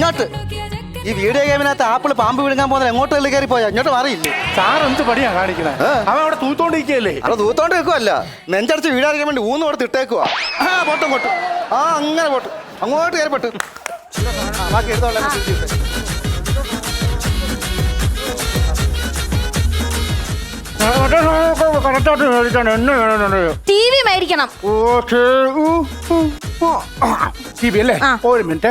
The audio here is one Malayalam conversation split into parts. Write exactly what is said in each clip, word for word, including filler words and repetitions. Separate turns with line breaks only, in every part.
ഇങ്ങോട്ട്. ഈ വീഡിയോ ഗെയിമിനകത്ത് ആപ്പിൾ പാമ്പ് വിഴുങ്ങാൻ പോകുന്നത് എങ്ങോട്ട് തള്ളി കയറി പോയാ ഇങ്ങോട്ട് മാറിയില്ലേ?
സാർ എന്ത് പണിയാ കാണിക്കണേ? അവൻ അവിടെ തൂത്തോണ്ടിരിക്കല്ലേ?
അവിടെ തൂത്തോണ്ട് വെക്കുവല്ല, നെഞ്ചടിച്ച് വീടാറിക്കാൻ വേണ്ടി ഊന്ന് കൊടുത്ത് ഇട്ടേക്കുവാ. ആ പോട്ടും പോട്ടും. ആ അങ്ങനെ പോട്ട്, അങ്ങോട്ട് കയറി പോട്ട്. ബാക്കി എടുത്തോളാം.
ടി വി മേടിക്കണം.
ടി വി അല്ലേ? ഒരു മിനിറ്റ്.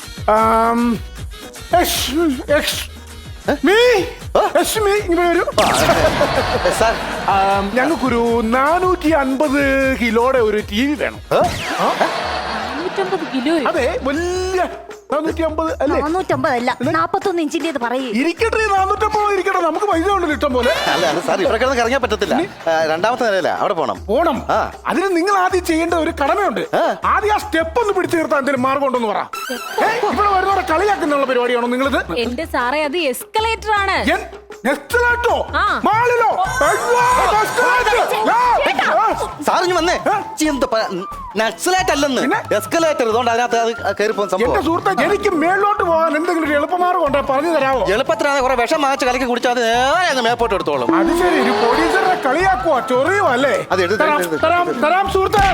ഞങ്ങൾക്കൊരു നാനൂറ്റി അൻപത് കിലോയുടെ ഒരു ടി വി വേണം. അതെ, വലിയ നാനൂറ്റി അമ്പത് അല്ലേ?
നാനൂറ്റമ്പതല്ല, നാപ്പത്തൊന്ന് ഇഞ്ചിന്റെ പറയേ.
ഇരിക്കട്ടെ, നാനൂറ്റമ്പത് ഇരിക്കട്ടെ, നമുക്ക് പൈസ ഉണ്ടല്ലോ ഇഷ്ടം പോലെ.
അല്ല അത് സാർ ഇവിടെ കിടന്ന് ഇറങ്ങാൻ പറ്റത്തില്ല. രണ്ടാമത്തെ നിലയില അവിടെ പോണം.
പോണം. അതിന് നിങ്ങൾ ആദ്യം ചെയ്യേണ്ട ഒരു കടമയുണ്ട്. ആദ്യം ആ സ്റ്റെപ്പ് ഒന്ന് പിടിച്ചു നിർത്താൻ എന്തെങ്കിലും മാർഗം ഉണ്ടെന്ന് പറ. ഇവിടെ വരുന്നവരെ കളിയാക്കുന്നുള്ള പരിപാടിയാണോ നിങ്ങളിത്?
എന്റെ സാറേ, അത് എസ്കലേറ്റർ ആണ്.
സാറിഞ്ഞ് വന്നേ. നക്സലേറ്റ് അല്ലെന്ന്, എസ്കലേറ്റർ. ഇതുകൊണ്ട് അതിനകത്ത് അത് കയറി പോകുന്ന സംഭവം.
സുഹൃത്തെ, എനിക്ക് മേലോട്ട് പോകാൻ എന്തെങ്കിലും ഒരു എളുപ്പമാർഗം ഉണ്ടോ പറഞ്ഞു തരാമോ?
എളുപ്പത്തിനാണ് കുറെ വിഷം വാങ്ങിച്ച് കലക്കി കുടിച്ചാൽ അത് നേരെ അങ്ങ് മേപ്പോട്ട് എടുത്തോളും.
അത് ശരി, ഒരു പോലീസറെ കളിയാക്കുവാ, ചൊറിയോ അല്ലേ?
അത് എടുത്ത്
തരാം സുഹൃത്തെ.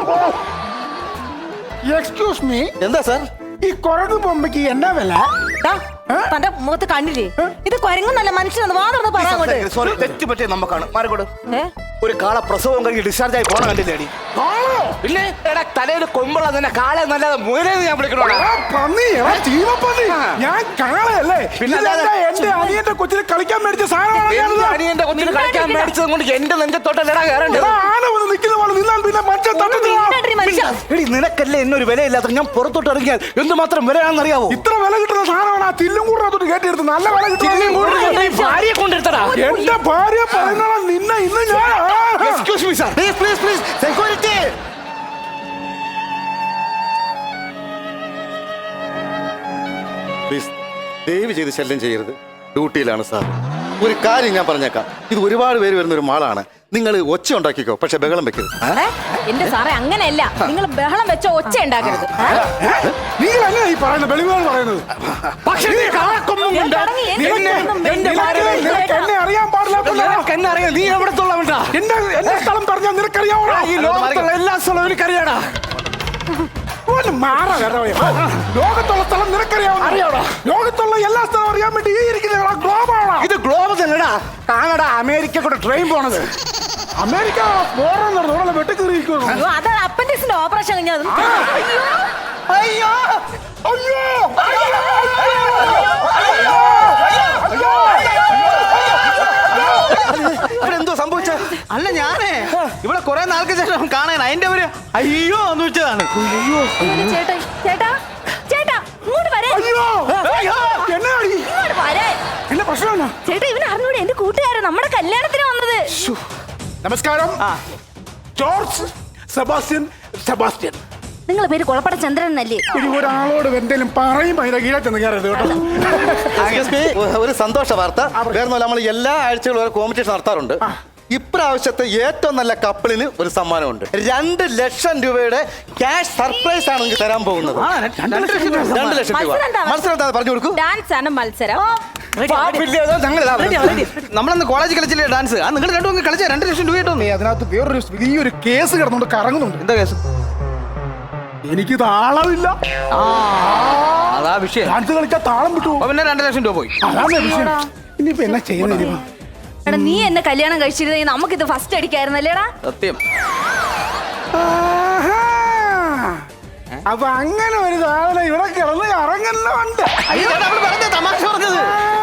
Excuse me.
എന്താ സാർ?
ഈ കുരങ്ങ് ബൊമ്മയ്ക്ക് എന്നാ വില?
തന്റെ മുഖത്ത് കണ്ടില്ലേ? ഇത് കുരങ്ങുന്നല്ല, മനുഷ്യനാണ്. വാ തുറന്ന് പറയാൻ.
സോറി, തെറ്റ് പറ്റിയ നമുക്കാണ്. മാറിക്കോട്. ഒരു കാള പ്രസവം കഴിഞ്ഞ് ഡിസ്ചാർജ് ആയി പോണ കണ്ടില്ലേടി? ഇല്ലേ എടാ, തലയിൽ കൊമ്പുള്ള തന്നെ കാളെ നല്ലത് മുയലെന്ന് ഞാൻ വിളിക്കണോ?
ഞാൻ കാളയല്ലേ? പിന്നെ എന്റെ അനിയന്റെ കൊച്ചിന് കളിക്കാൻ മേടിച്ച സാധനം.
അനിയന്റെ കൊച്ചിന് കളിക്കാൻ മേടിച്ചത് കൊണ്ട് എന്റെ നെഞ്ചത്തോട്ടല്ലടാ കയറേണ്ടത്.
ആന വന്ന് നിൽക്കുന്ന പോലെ നിന്നാൽ പിന്നെ മനുഷ്യൻ
എടി, നിനക്കല്ലേ എന്നൊരു വിലയില്ലാത്ത ഞാൻ പുറത്തോട്ട് ഇറങ്ങിയാൽ എന്തുമാത്രം വിലയാണെന്നറിയാവോ?
ഇത്ര വില കിട്ടുന്ന സാധനമാണ് ആ തില്ലും കൂടെ അതോട്ട് കയറ്റിയെടുത്ത്. നല്ല വില കിട്ടുന്ന
ഭാര്യയെ കൊണ്ടെടുത്തടാ.
എന്റെ ഭാര്യ പറയുന്ന നിന്നെ ഇന്ന് ഞാൻ.
Excuse me sir, please please please, security. Please ദയവ് ചെയ്ത് ശല്യം ചെയ്യരുത്, ഡ്യൂട്ടിയിലാണ് സാർ. ഒരു കാര്യം ഞാൻ പറഞ്ഞേക്കാം, ഇത് ഒരുപാട് പേര് വരുന്ന ഒരു മാളാണ്. നിങ്ങൾ ഒച്ച ഉണ്ടാക്കിക്കോ, പക്ഷെ ബഹളം വെക്കരുത്.
എന്റെ സാറേ, അങ്ങനെയല്ല. നിങ്ങൾ ബഹളം വെച്ച ഒച്ച ഉണ്ടാക്കരുത്.
നിങ്ങൾ അങ്ങനെ ഈ പറയുന്നത് വെളിവുകൾ പറയുന്നത്. പക്ഷേ എന്നെ അറിയാൻ പാടില്ല.
എന്നെ അറിയാം, നീ എവിടത്തുള്ളവണ്ടാ?
എന്റെ എന്റെ സ്ഥലം പറഞ്ഞാൽ നിനക്കറിയാവോ?
ഈ ലോകത്തുള്ള എല്ലാ സ്ഥലവും എനിക്കറിയാടാ.
മാറാ, ലോകത്തുള്ള സ്ഥലം നിനക്കറിയാവോ? അറിയാവോ? ലോകത്തുള്ള എല്ലാ സ്ഥലവും അറിയാൻ വേണ്ടി ഈ ഇരിക്കുന്ന ഗ്ലോബാണോ?
ഇത് ഗ്ലോബ് തന്നെടാ. കാനഡ, അമേരിക്ക കൂടെ ട്രെയിൻ പോണത്.
അമേരിക്ക പോറെന്ന് വെട്ടിക്കേറിയിരിക്കുന്നു.
അതാണ് അപ്പൻഡിക്സിന്റെ ഓപ്പറേഷൻ കഴിഞ്ഞത്.
അയ്യോ അയ്യോ
എന്തോ സംഭവിച്ച? അല്ല, ഞാനേ ഇവിടെ കുറെ നാൾക്ക് ശേഷം കാണാൻ അതിന്റെ ഒരു അയ്യോ എന്ന് വെച്ചതാണ്.
ചേട്ടാ ചേട്ടാ ചേട്ടാ ഇങ്ങോട്ട് വരാൻ.
എന്നെ പ്രശ്നമാണ്
ചേട്ടാ. ഇവൻ അറിഞ്ഞൂടെ? എന്റെ കൂട്ടുകാരൻ നമ്മുടെ കല്യാണത്തിന് വന്നത്.
നമസ്കാരം, ജോർജ് സെബാസ്റ്റ്യൻ. സെബാസ്റ്റ്യൻ
നിങ്ങളെ പേര് കുളപ്പട ചന്ദ്രൻ എന്നല്ലേ?
ഇനി ഒരാളോട് എന്തെങ്കിലും പറയുമ്പോ അതിന്റെ കീഴെ ചെന്ന് കയറരുത് കേട്ടോ.
ഒരു സന്തോഷ വാർത്ത. വേറെ നമ്മൾ എല്ലാ ആഴ്ചകളും ഒരു കോമ്പറ്റീഷൻ നടത്താറുണ്ട്. ഇപ്രാവശ്യത്തെ ഏറ്റവും നല്ല കപ്പിളിന് ഒരു സമ്മാനമുണ്ട്. രണ്ട് ലക്ഷം രൂപയുടെ ക്യാഷ് സർപ്രൈസ് ആണ് നിങ്ങൾക്ക് തരാൻ പോകുന്നത്. രണ്ട് ലക്ഷം രൂപ. മത്സരം എന്താ പറഞ്ഞു കൊടുക്കൂ?
ഡാൻസ് ആണ് മത്സരം.
നമ്മളന്ന് കോളേജ് കളിച്ചില്ലേ ഡാൻസ്? ആ നിങ്ങൾ രണ്ടും കളിച്ച രണ്ട് ലക്ഷം രൂപ കിട്ടും.
അതിനകത്ത് വേറൊരു വലിയൊരു കേസ് കിടന്നുകൊണ്ട് കറങ്ങുന്നുണ്ട്.
എന്താ കേസ്?
എനിക്ക് താളമില്ല.
അതാ വിഷയം.
ഡാൻസ് കളിച്ചാൽ താളം വിട്ടു.
പിന്നെ രണ്ട് ലക്ഷം രൂപ പോയി.
അതാണ് വിഷയം. ഇനിയിപ്പോ എന്നാ ചെയ്യുന്നത്?
എടാ, നീ എന്നെ കല്യാണം കഴിച്ചിരുന്നെങ്കിൽ നമുക്കിത് ഫസ്റ്റ് അടിക്കായിരുന്നല്ലേടാ?
സത്യം.
അപ്പൊ അങ്ങനെ ഒരു സാധനം ഇവിടെ കിടന്ന് കറങ്ങുന്നുണ്ട്.
തമാശ പറഞ്ഞത്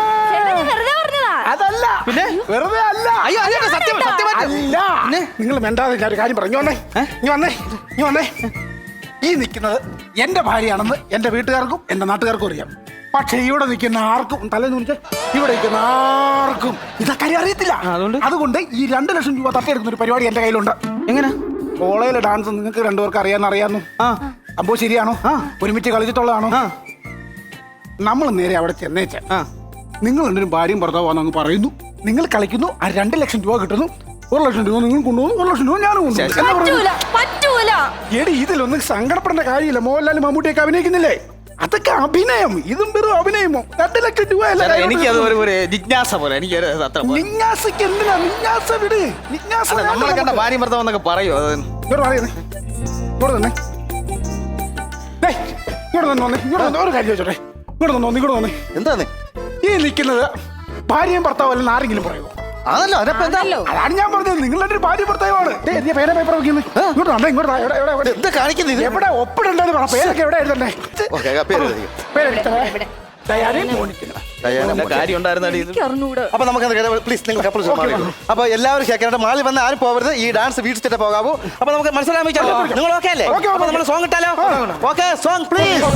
അതല്ല, പിന്നെ വെറുതെ അല്ല.
അയ്യോ സത്യം
അല്ല. നിങ്ങൾ വേണ്ടാതെ ഞാൻ ഒരു കാര്യം പറഞ്ഞു വന്നേ. നീ വന്നേ നീ വന്നേ ഈ നിൽക്കുന്നത് എന്റെ ഭാര്യയാണെന്ന് എന്റെ വീട്ടുകാർക്കും എന്റെ നാട്ടുകാർക്കും അറിയാം. പക്ഷെ ഇവിടെ നിൽക്കുന്ന ആർക്കും തലേന്ന് ഇവിടെ നിൽക്കുന്ന ആർക്കും ഇതൊക്കെ അറിയത്തില്ല. അതുകൊണ്ട് ഈ രണ്ട് ലക്ഷം രൂപ തട്ടിയെടുക്കുന്ന ഒരു പരിപാടി എന്റെ കയ്യിലുണ്ട്.
എങ്ങനെ?
കോളേജിലെ ഡാൻസ് നിങ്ങൾക്ക് രണ്ടുപേർക്ക് അറിയാന്ന് അറിയാന്നു. അപ്പോ ശരിയാണോ? ഒരുമിച്ച് കളിച്ചിട്ടുള്ളതാണോ? നമ്മൾ നേരെ അവിടെ ചെന്നേച്ച നിങ്ങൾ രണ്ടും ഭാര്യയും ഭർത്താവാന്ന് പറയുന്നു. നിങ്ങൾ കളിക്കുന്നു, ആ രണ്ട് ലക്ഷം രൂപ കിട്ടുന്നു. ഒരു ലക്ഷം രൂപ നിങ്ങൾ കൊണ്ടുപോകുന്നു, ഒരു ലക്ഷം രൂപ ഞാനും കൊണ്ടുപോകും.
പറ്റൂല.
എടി, ഇതിലൊന്നും സങ്കടപ്പെടേണ്ട കാര്യമില്ല. മോഹൻലാലും മമ്മൂട്ടിയൊക്കെ അഭിനയിക്കുന്നില്ലേ? അതൊക്കെ അഭിനയം, ഇതും വെറും അഭിനയമോ? രണ്ട് ലക്ഷം രൂപ
ചേട്ടാ, എനിക്കത് ഒരു ഒരു ജിജ്ഞാസ പോലെ എനിക്ക് ഒരു അത്ര പോലെ.
നിങ്ങാസക്ക് എന്തിനാ നിങ്ങാസ വിട് നിങ്ങാസ
അല്ല, നമ്മളെ കണ്ട ഭാര്യ ഭർത്താവ് എന്നൊക്കെ പറയോ അത്?
ഇങ്ങോട്ട് പറയുന്നേ ഇങ്ങോട്ട് തന്നെ ഇങ്ങോട്ട് തന്നെ വന്നേ ഇങ്ങോട്ട് വന്നേ ഒരു കാര്യം ചോദിച്ചോട്ടെ ഇങ്ങോട്ട് തന്നെ വന്നേ ഇങ്ങോട്ട് വന്നേ
എന്താണ്
ഈ നിൽക്കുന്നത് ഭാര്യയും ഭർത്താവും അല്ലെന്ന് ആരെങ്കിലും പറയുമോ?
അതല്ലോ അതിനപ്പോ എന്താ
അതാണ് ഞാൻ പറഞ്ഞത്, നിങ്ങളുടെ ഒരു ഭാര്യ ഭർത്താവാണ്. പേന പേപ്പർ വെക്കുന്നത് ഇങ്ങോട്ട് വന്നേ ഇങ്ങോട്ട് വാ. എവിടെ എവിടെ എവിടെ
എന്താ കാണിക്കുന്നത്
എവിടെ ഒപ്പിടണ്ടെന്ന് പറ. പേരൊക്കെ എവിടെ എഴുതണ്ടേ?
ഓക്കെ പേര് എഴുതി.
പേരെഴുതണേ. Diana Monica.
വല്ല കാര്യം ഉണ്ടായിരുന്നാടി ഇത്?
അപ്പൊ നമുക്ക് പ്ലീസ് നിങ്ങൾ കപ്പിൾസ് മാറിക്കോ. അപ്പൊ എല്ലാവരും കേൾക്കാനായിട്ട് മാളി വന്ന് ആരും പോകരുത്. ഈ ഡാൻസ് വീട്ടിച്ചിട്ട് പോകാവൂ. അപ്പൊ നമുക്ക് മനസ്സിലാമിച്ചല്ലോ. നിങ്ങൾ ഓക്കെ അല്ലേ? അപ്പൊ നമ്മൾ സോങ് ഇട്ടാലോ? Okay song please.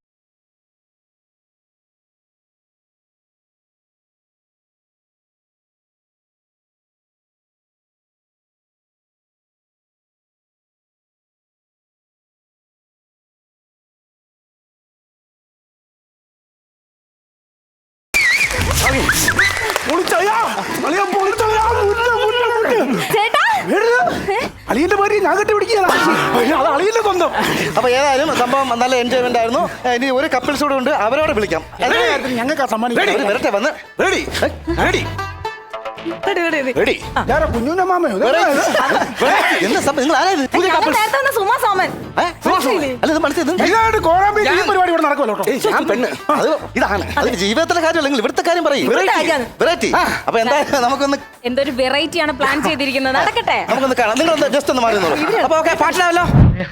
ചേട്ടാ
അളിയന്റെ ഭാര്യ ഞാൻ കെട്ടി പിടിക്കുകയാണ്. അത് അളിയന്റെ സ്വന്തം.
അപ്പൊ ഏതായാലും സംഭവം നല്ല എൻജോയ്മെന്റ് ആയിരുന്നു. ഇനി ഒരു കപ്പിൾസ് കൂടെ ഉണ്ട്, അവരോട് വിളിക്കാം.
ഞങ്ങൾക്ക് ആ സമ്മാനം
അവര് വരട്ടെ വന്ന്.
Ready ready ready.
ഞാനാ കുഞ്ഞുന്റെ മാമയോ?
എന്താ സംഭവം? നിങ്ങൾ ആരായത്? പുതിയ
ഞങ്ങൾ
കപ്പിൾസ്?
നേരത്തെ വന്ന സുമാ സോമൻ.
അല്ല ഇത് മനസ്സിലായി.
ഇതായിട്ട് കോറാമ്പി ഈ പരിപാടി ഇവിടെ നടക്കുമല്ലോ കേട്ടോ.
ഞാൻ പെണ്ണ് അത് ഇതാണ് അതിന് ജീവിതത്തിലെ കാര്യം അല്ലെങ്കിൽ ഇവിടുത്തെ കാര്യം പറയും.
ഇവിടുത്തെ കാര്യമാണ്.
വെറൈറ്റി. അപ്പൊ എന്താ നമുക്കൊന്ന്
എന്തൊരു വെറൈറ്റി ആണ് പ്ലാൻ ചെയ്തിരിക്കുന്നത്. നടക്കട്ടെ.
നമുക്കൊന്ന് കാണാം. നിങ്ങൾ ജസ്റ്റ് ഒന്ന് മാറി നോളൂ. അപ്പൊ ഓക്കെ പാട്ടിലാവല്ലോ.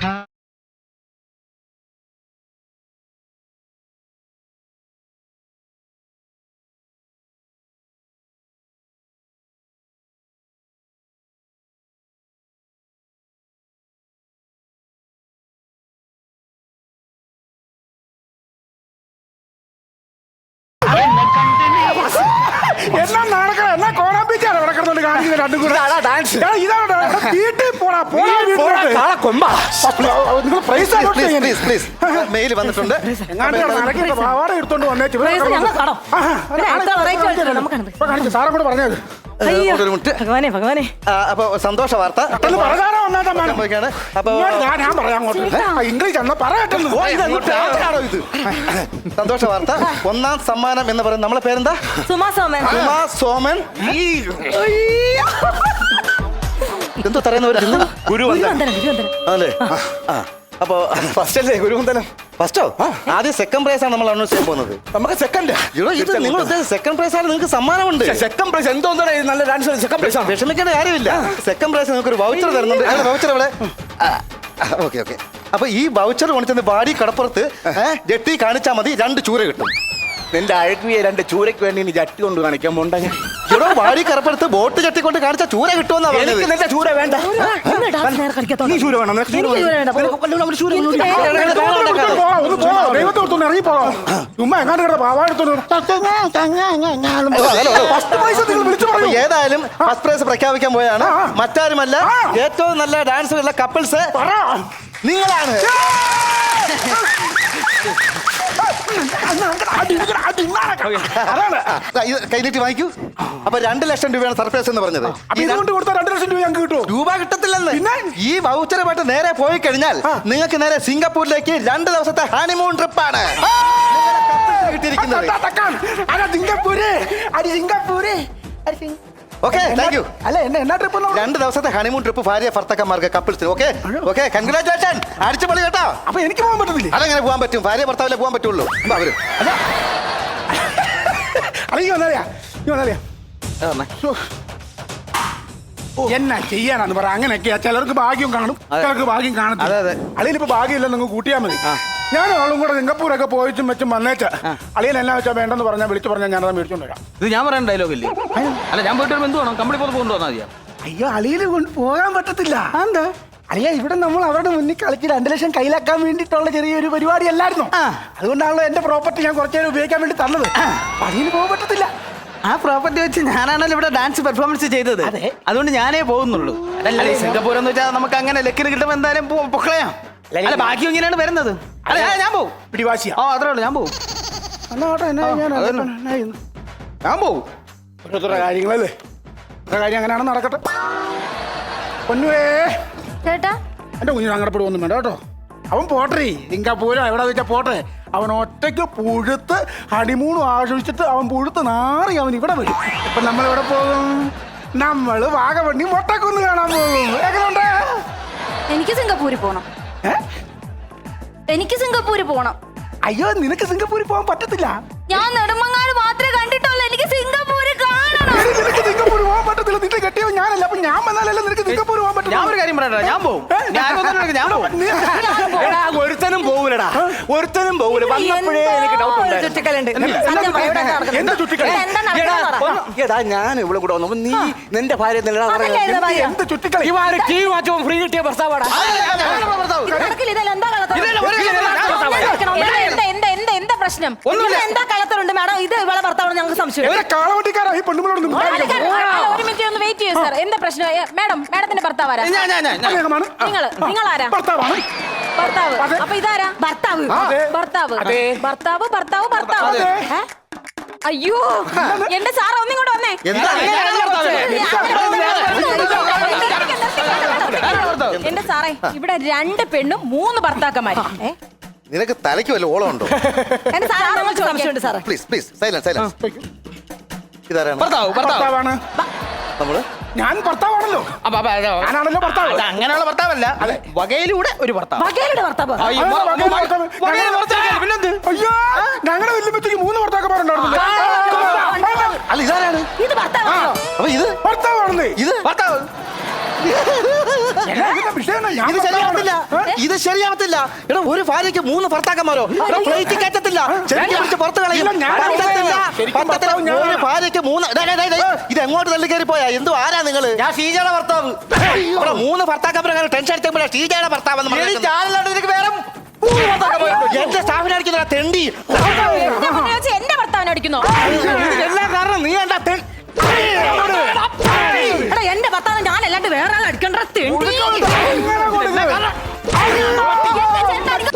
എന്നാ നടക്കണം എന്നാ കോറാമ്പിച്ചാണ് ഇവിടെ കിടന്നോണ്ട് കാണിക്കുന്നത് രണ്ടും കൂടെ.
ഡാൻസ്
ഇതാണ് വീട്ടിൽ പോടാ പോടാ നിങ്ങൾ പ്രൈസ്
പ്ലീസ് പ്ലീസ് മെയിൽ വന്നിട്ടുണ്ട്.
പാവാട എടുത്തോണ്ട് വന്നേച്ചു.
പ്രൈസ് ഞങ്ങൾ കാണോ? പിന്നെ എത്ര variety കളിച്ചിട്ടുണ്ട് നമുക്കാണ്.
കാണിച്ചു സാറെ കൂടെ പറഞ്ഞത്.
അയ്യോ,
ഒരു മിനിറ്റ്.
ഭഗവാനെ ഭഗവാനെ.
അപ്പൊ സന്തോഷ വാർത്ത
പറയാനോ വന്നാട്ടാ
സംഭവിക്കാണ്. അപ്പൊ
ഞാൻ പറയാം അങ്ങോട്ട് ഇംഗ്ലീഷ് എന്നാ പറയട്ടെ.
ഇത് സന്തോഷ വാർത്ത. ഒന്നാം സമ്മാനം എന്ന് പറയുന്നത് നമ്മളെ പേരെന്താ?
സുമാ സോമൻ.
സുമാ സോമൻ. എന്തോ പറയുന്നവര്
ഗുരുവന്ദനം ഗുരുവന്ദനം.
അല്ലേ? ആ അപ്പൊ ഫസ്റ്റ് അല്ലേ ഗുരുവന്ദനം? ഫസ്റ്റോ? ആദ്യം സെക്കൻഡ് പ്രൈസ് ആണ് നമ്മൾ അനൗൺസ് ചെയ്യാൻ പോകുന്നത്.
നമുക്ക് സെക്കൻഡ്
ഇത് നിങ്ങൾ സെക്കൻഡ് പ്രൈസ് ആണ്, നിങ്ങൾക്ക് സമ്മാനമുണ്ട്.
സെക്കൻഡ് പ്രൈസ് എന്തോ നല്ല ഡാൻസ് സെക്കൻഡ് പ്രൈസ് ആണ്.
വിഷമിക്കേണ്ട കാര്യമില്ല. സെക്കൻഡ് പ്രൈസ് നിങ്ങൾക്ക് ഒരു വൗച്ചർ തരുന്നുണ്ട്. വൗച്ചർ ഇവിടെ. Okay okay. അപ്പൊ ഈ വൗച്ചർ കൊണ്ടുചെന്ന് ബാഡി കടപ്പുറത്ത് ജെട്ടി കാണിച്ചാൽ മതി, രണ്ട് ചൂര കിട്ടും.
നിന്റെ അഴകിയ രണ്ട് ചൂരയ്ക്ക് വേണ്ടി നീ ജട്ടി കൊണ്ട് കാണിക്കാൻ പോണ്ട.
ഇവിടെ വാടി കടപ്പുറത്ത് ബോട്ട് ജട്ടി കൊണ്ട് കാണിച്ച ചൂര കിട്ടുമെന്നാ പറഞ്ഞത്.
നിന്റെ ചൂര വേണ്ട.
ഇന്ന് dance നേരെ കളിക്കാത്തോണ്ട്.
നീ ചൂര വേണം. നിനക്ക് ചൂര
എനിക്ക് ചൂര വേണ്ട. പോ. എനിക്ക്
ദൈവത്തെ ഓർത്തോണ്ട് ഇറങ്ങി പോകാം. ചുമ്മാ എങ്ങാണ്ട് കിടന്ന പാവാടുത്തോണ്ട് ഫസ്റ്റ് പൈസ നിങ്ങൾ വിളിച്ചു
അപ്പൊ
പറയൂ.
ഏതായാലും ഫസ്റ്റ് പ്രൈസ് പ്രഖ്യാപിക്കാൻ പോയാണ്. മറ്റാരുമല്ല, ഏറ്റവും നല്ല ഡാൻസ് ഉള്ള കപ്പിൾസ് നിങ്ങളാണ്. കൈനീട്ടി വാങ്ങിക്കൂ. അപ്പൊ രണ്ട് ലക്ഷം രൂപയാണ് സർപ്രൈസ് എന്ന് പറഞ്ഞത്.
ഇതുകൊണ്ട് കൊടുത്ത രണ്ട് ലക്ഷം രൂപ ഞങ്ങൾക്ക് കിട്ടുമോ?
രൂപ കിട്ടത്തില്ലെന്ന്. ഈ വൗച്ചറുമായിട്ട് നേരെ പോയി കഴിഞ്ഞാൽ നിങ്ങൾക്ക് നേരെ സിംഗപ്പൂരിലേക്ക് രണ്ട് ദിവസത്തെ ഹണിമൂൺ ട്രിപ്പാണ് കിട്ടിയിരിക്കുന്നത്.
സിംഗപ്പൂര് അടി സിംഗപ്പൂര്
ഓക്കെ താങ്ക് യു.
അല്ല എന്നെ എന്നാ ട്രിപ്പ്
രണ്ട് ദിവസത്തെ ഹണിമൂൺ ട്രിപ്പ് ഭാര്യ ഭർത്താക്കന്മാർക്ക് കപ്പിൾസിന്. Okay okay congratulation. അടിച്ചു പൊളി കേട്ടോ.
അപ്പൊ എനിക്ക് പോകാൻ പറ്റത്തില്ലേ?
അതെങ്ങനെ പോകാൻ പറ്റും? ഭാര്യ ഭർത്താവിലെ പോകാൻ പറ്റുള്ളൂ. അവര്
അല്ലെങ്കിൽ വന്നറിയാ നീ വന്നറിയാ എന്നാ ചെയ്യാനാന്ന് പറ. അങ്ങനെയൊക്കെയാ. ചിലർക്ക് ഭാഗ്യം കാണും, ചിലർക്ക് ഭാഗ്യം കാണും.
അതെ അതെ.
അളിയനിപ്പോ ഭാഗ്യമില്ല, നിങ്ങൾ കൂട്ടിയാൽ മതി. ഞാൻ ആളും കൂടെ സിംഗപ്പൂരൊക്കെ പോയിട്ടും വെച്ചും വന്നേച്ച അളിയൻ എന്നാ വെച്ചാൽ വേണ്ടെന്ന് പറഞ്ഞാൽ വിളിച്ചു പറഞ്ഞാൽ ഞാനത് മേടിച്ചോണ്ട് വരാം.
ഇത് ഞാൻ പറയുന്ന ഡയലോഗ് ഇല്ലേ? അല്ല ഞാൻ പോയിട്ട് എന്ത് വേണം? കമ്പനി പോലെ കൊണ്ടുവന്നാൽ മതിയാ.
അയ്യോ അളിയനെ കൊണ്ട് പോകാൻ പറ്റത്തില്ല. എന്താ അളിയ ഇവിടെ നമ്മൾ അവരുടെ മുന്നിൽ കളിച്ച് രണ്ട് ലക്ഷം കയ്യിലാക്കാൻ വേണ്ടിയിട്ടുള്ള ചെറിയൊരു പരിപാടി അല്ലായിരുന്നു. അതുകൊണ്ടാണല്ലോ എന്റെ പ്രോപ്പർട്ടി ഞാൻ കുറച്ചു നേരം ഉപയോഗിക്കാൻ വേണ്ടി തന്നത്. അളിയന് പോകാൻ പറ്റത്തില്ല.
ആ പ്രോപ്പർട്ടി വെച്ച് ഞാനാണല്ലോ ഇവിടെ ഡാൻസ് പെർഫോമൻസ് ചെയ്തത്. അതുകൊണ്ട് ഞാനേ പോകുന്നുള്ളൂ. അല്ല സിംഗപ്പൂർ എന്ന് വെച്ചാൽ നമുക്ക് അങ്ങനെ ലക്കിന് കിട്ടുമ്പോൾ എന്തായാലും പൊക്കളയാം. അല്ല ബാക്കി ഇങ്ങനെയാണ് വരുന്നത്. അല്ല ഞാൻ പോകും.
പിടിവാശിയാ.
ആ അത്രേ ഉള്ളൂ, ഞാൻ പോകും. ഞാൻ പോകും.
ഓരോരുത്തരുടെ കാര്യങ്ങളല്ലേ, ഓരോ കാര്യം അങ്ങനെയാണ് നടക്കട്ടെ. പൊന്നുവേ
ചേട്ടാ
എന്റെ കുഞ്ഞിന് അങ്ങടപ്പെടുവൊന്നും വേണ്ട കേട്ടോ. അവൻ പോട്ടെ സിംഗപ്പൂരോ എവിടെ വെച്ചാ പോട്ടെ. അവൻ ഒറ്റയ്ക്ക് പുഴുത്ത് ഹണിമൂണും ആഘോഷിച്ചിട്ട് അവൻ പുഴുത്ത് നാറി അവൻ ഇവിടെ വരും. ഇപ്പൊ നമ്മൾ എവിടെ പോകും? നമ്മള് വാഗവണ്ണി മൊട്ടക്കുന്ന് കാണാൻ പോകും. എങ്ങനെയുണ്ട്?
എനിക്ക് സിംഗപ്പൂരിൽ പോണം
ഏ?
എനിക്ക് സിംഗപ്പൂരിൽ പോണം.
അയ്യോ നിനക്ക് സിംഗപ്പൂരിൽ പോകാൻ പറ്റത്തില്ല.
ഞാൻ നെടുമങ്ങാട് മാത്രമേ കണ്ടിട്ടുള്ളൂ. എനിക്ക് സിംഗപ്പൂര് കാണണം.
എടി, നിനക്ക് സിംഗപ്പൂർ പോകാൻ പറ്റത്തില്ല. നിന്റെ കെട്ടിയോ ഞാനല്ല. അപ്പൊ ഞാൻ വന്നാലല്ലേ നിനക്ക് സിംഗപ്പൂർ പോകാൻ
ഞാൻ
പറ്റും.
ഒരു കാര്യം പറയട്ടെ, ഞാൻ പോകും. ഞാൻ കൊണ്ടുവന്നിട്ട് ഞാൻ പോകും.
എടാ ഒരുത്തനും പോകൂലടാ, ഒരുത്തനും പോകൂല. വന്നപ്പോഴേ എനിക്ക് ഡൗട്ട് ഉണ്ടായിരുന്നു.
ചുറ്റിക്കലുണ്ട്. സത്യം പറ, ഇവിടെ എന്താ നടക്കുന്നത്?
എന്ത് ചുറ്റിക്കളി?
ഇവിടെ എന്താ
എടാ,
നടക്കുന്നത്?
എടാ ഞാൻ ഇവിടെ കൂടെ വന്നപ്പോ നീ നിന്റെ ഭാര്യ
അതല്ലേ ഇത് ഭാര്യ?
എന്ത് ചുറ്റിക്കളി?
ടി വി മാറ്റവും ഫ്രീ കിട്ടിയ പ്രസ്താവടാ.
ഇത് നടക്കില്ല. ഇതെല്ലാം എന്താ കളത്തരം?
ഇതെല്ലാം ഒരു കാര്യം ഇല്ല, ഞാൻ
എന്താ നടക്കണം?
എന്താ എന്താ എന്താ എന്താ എന്താ പ്രശ്നം?
ഇതിൽ എന്താ കളത്തറുണ്ട് മാഡം? ഇത് ഇവളെ ഭർത്താവ് ഞങ്ങൾക്ക് സംശയം.
എവിടെ കാളവണ്ടിക്കാരാ ഈ പെണ്ണുങ്ങളോട്
അല്ല, അല്ല, ഒരു മിനിറ്റ് ഒന്ന് വെയിറ്റ് ചെയ്യൂ സാർ. എന്താ പ്രശ്നം? ഏ, മാഡം മാഡത്തിന്റെ ഭർത്താവ് ആരാ?
ഞാൻ ഞാൻ ഞാൻ
നിങ്ങളാണ്
നിങ്ങള് നിങ്ങളാരാ?
ഭർത്താവാണ്.
ഭർത്താവ്.
അതെ.
അപ്പൊ ഇതാരാ?
ഭർത്താവ്.
അതെ.
ഭർത്താവ്
അതെ.
ഭർത്താവ് ഭർത്താവ് ഭർത്താവ്
അതെ.
ഏ? അയ്യോ എന്റെ സാർ ഒന്നിങ്ങോട്ട് വന്നേ.
എന്താ
എന്റെ സാറേ ഇവിടെ രണ്ട് പെണ്ണും മൂന്ന് ഭർത്താക്കന്മാര്. ഏ?
നിനക്ക് തലയ്ക്ക് വല്ല ഓളം ഉണ്ടോ?
എന്റെ സാറ് ഞങ്ങൾക്ക് സംശയമുണ്ട് സാറേ.
Please please silence silence. ഇതാരാണ്
ഭർത്താവ് ഭർത്താവ്
ഭർത്താവാണ്.
നമ്മള്?
ഞാൻ ഭർത്താവാണല്ലോ.
അപ്പൊ അപ്പൊ അത്
ഞാനാണല്ലോ ഭർത്താവ്.
അത് അങ്ങനെയുള്ള ഭർത്താവല്ല, വകയിലൂടെ ഒരു ഭർത്താവ്.
വകയിലുടെ ഭർത്താവ്.
ആ, ഈ
ആ,
വ-
വകയിലെ
വ-
ഭർത്താവ്.
വകയിലെ ഭർത്താവ്. പിന്നെന്ത്?
അയ്യോ ഞങ്ങളുടെ വല്യമ്മച്ചയ്ക്ക് മൂന്ന് ഭർത്താക്കന്മാരുണ്ടായിരുന്നു.
അല്ല ഇതാരാണ്?
ഇത് ഭർത്താവാണോ?
അപ്പൊ ഇത്
ഭർത്താവാണെന്നേ.
ഇത്
ഭർത്താവ്.
എന്നാ ഇതിന്റെ വിഷയം എന്നാ? ഞാൻ
ഇത് ശരിയാവത്തില്ല.
ഭർത്താവാണ്.
ഇത് ശരിയാവത്തില്ല. എടാ ഒരു ഭാര്യയ്ക്ക് മൂന്ന് ഭർത്താക്കന്മാരോ? എടാ ഫ്ലൈറ്റ് കയറ്റത്തില്ല. ചെറുക്കി പിടിച്ച് പുറത്ത് കളയും.
ഇല്ല, ഞാൻ
പറ്റത്തില്ല.
ശരിക്കും
പറ്റത്തില്ല.
ഭർത്താവ് ഞാനാണ്.
ഒരു ഭാര്യയ്ക്ക് മൂന്ന് ഡേ, ഡേ, ഡേ, ഡേ. ഇത് എങ്ങോട്ട് തള്ളി കയറി പോയാ? എന്തോ ആരാ നിങ്ങള്?
ഞാൻ ഷീജയുടെ ഭർത്താവ്.
ഇവിടെ മൂന്ന് ഭർത്താക്കന്മാരെ ടെൻഷൻ അടിച്ചപ്പോഴാ ഷീജയുടെ ഭർത്താവെന്ന്
എടി,
പറയുന്നത്.
ഞാനല്ലാണ്ട് നിനക്ക് വേറെ മൂന്ന് ഭർത്താക്കന്മാരുണ്ട്.
എന്റെ സ്റ്റാഫിനെ അടിക്കുന്ന തെണ്ടി.
എന്റെ മുന്നിൽ വെച്ച് എന്റെ ഭർത്താവിനെ അടിക്കുന്നോ?
എല്ലാം കാരണം നീ എന്താ തെ-
എടാ എന്റെ ഭർത്താവ് ഞാൻ അല്ലാണ്ട് വേറെ ആൾ അടിക്കണ്ട തെണ്ടി.
ഇങ്ങനെ കൊടുക്ക്.
എന്റെ ചേട്ടൻ അടിക്ക-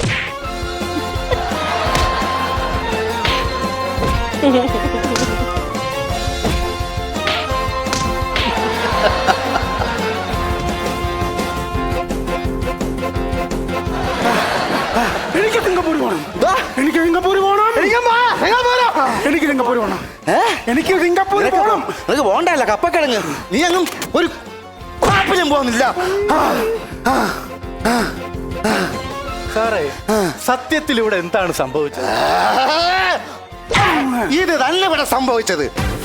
എനിക്ക് സിംഗപ്പൂർ പോകണം.
ദാ,
എനിക്ക് സിംഗപ്പൂർ പോകണം. എനിക്ക് സിംഗപ്പൂർ പോകണം.
ഏ?
എനിക്ക് സിംഗപ്പൂർ
നിനക്ക്
പോകണം.
നിനക്ക് പോണ്ടല്ല കപ്പക്കിഴങ്ങ്. നീ അങ്ങും ഒരു കുഴപ്പനും പോകുന്നില്ല.
സാറേ, സത്യത്തിൽ ഇവിടെ എന്താണ് സംഭവിച്ചത്?
ഇത് തന്നെ ഇവിടെ സംഭവിച്ചത്.